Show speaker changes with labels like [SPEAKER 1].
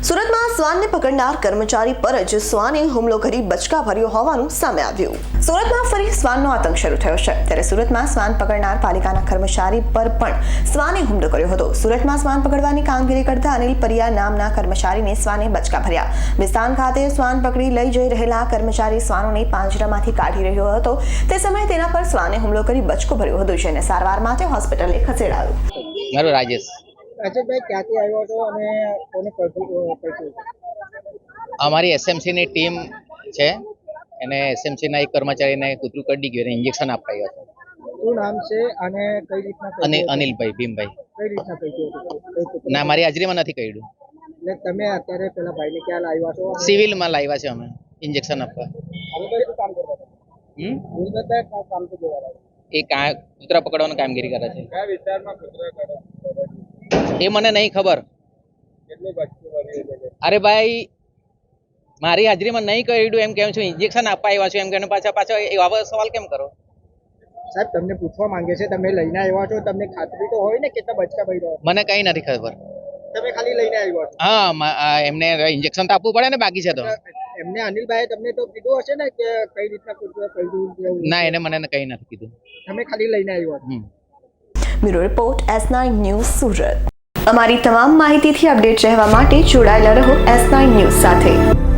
[SPEAKER 1] સુરતમાં શ્વાનને પકડનાર કર્મચારી પર જ શ્વાને હુમલો કરી બચકા ભર્યો હોવાનું સામે આવ્યું। સુરતમાં ફરી શ્વાનનો આતંક શરૂ થયો છે, ત્યારે સુરતમાં શ્વાન પકડનાર પાલિકાના કર્મચારી પર પણ શ્વાને હુમલો કર્યો હતો। સુરતમાં શ્વાન પકડવાની કામગીરી કરતા અનિલ પરિયા નામના કર્મચારીને શ્વાને બચકા ભર્યા। વિસ્તાન ખાતે શ્વાન પકડી લઈ જઈ રહેલા કર્મચારી શ્વાનોને પાંજરામાંથી કાઢી રહ્યો હતો, તે સમયે તેના પર શ્વાને હુમલો કરી બચકો ભર્યો હતો, જેને સારવાર માટે હોસ્પિટલે ખસેડાયો।
[SPEAKER 2] મારું રાજેશ
[SPEAKER 3] રાજેશભાઈ ક્યાંથી આવ્યો હતો અને કોને પકડ્યું?
[SPEAKER 2] અમારી એસએમસીની ટીમ છે, એને એસએમસીના એક કર્મચારીને કૂતરું કરડી ગયું, એને ઇન્જેક્શન અપાયું હતું।
[SPEAKER 3] શું નામ છે અને કઈ રીતના
[SPEAKER 2] અને અનિલભાઈ ભીમભાઈ
[SPEAKER 3] કઈ રીતના કહ્યું?
[SPEAKER 2] ના, મારી હાજરીમાં નથી કર્યું।
[SPEAKER 3] એટલે તમે અત્યારે પેલા ભાઈને ક્યાં લાવ્યા છો?
[SPEAKER 2] સિવિલમાં લાવ્યા છે અમે ઇન્જેક્શન આપવા।
[SPEAKER 3] અનિલભાઈ શું કામ કરતા હતા? અનિલભાઈ કામ તો જોવા
[SPEAKER 2] એ કૂતરા પકડવાની કામગીરી કરે છે।
[SPEAKER 3] કયા વિસ્તારમાં કૂતરા કરે?
[SPEAKER 2] એ મને નહીં ખબર।
[SPEAKER 3] કેટલું બચકું ભર્યું છે?
[SPEAKER 2] અરે ભાઈ, મારી હાજરીમાં નહીં કર્યું એમ કેમ છું, ઇન્જેક્શન આપવા આવ્યા છું એમ કે પાછા એવા સવાલ કેમ કરો?
[SPEAKER 3] સાહેબ તમને પૂછવા માંગે છે, તમે લઈને આવ્યા છો, તમને ખાતરી તો હોય ને કેટલા બચકા ભર્યા?
[SPEAKER 2] મને કઈ નથી ખબર।
[SPEAKER 3] તમે ખાલી લઈને આવ્યા છો?
[SPEAKER 2] હા, એમને ઇન્જેક્શન તો આપવું પડે ને, બાકી છે તો।
[SPEAKER 3] એમને અનિલભાઈ તમને તો કીધું હશે ને કે કઈ રીતના કૂતરા કર્યું?
[SPEAKER 2] ના, એને મને કઈ નથી કીધું।
[SPEAKER 3] તમે ખાલી લઈને આવ્યા છો?
[SPEAKER 1] Bureau report S9 news Surat. અમારી તમામ માહિતીથી અપડેટ રહેવા માટે જોડાયેલા રહો S9 ન્યૂઝ સાથે।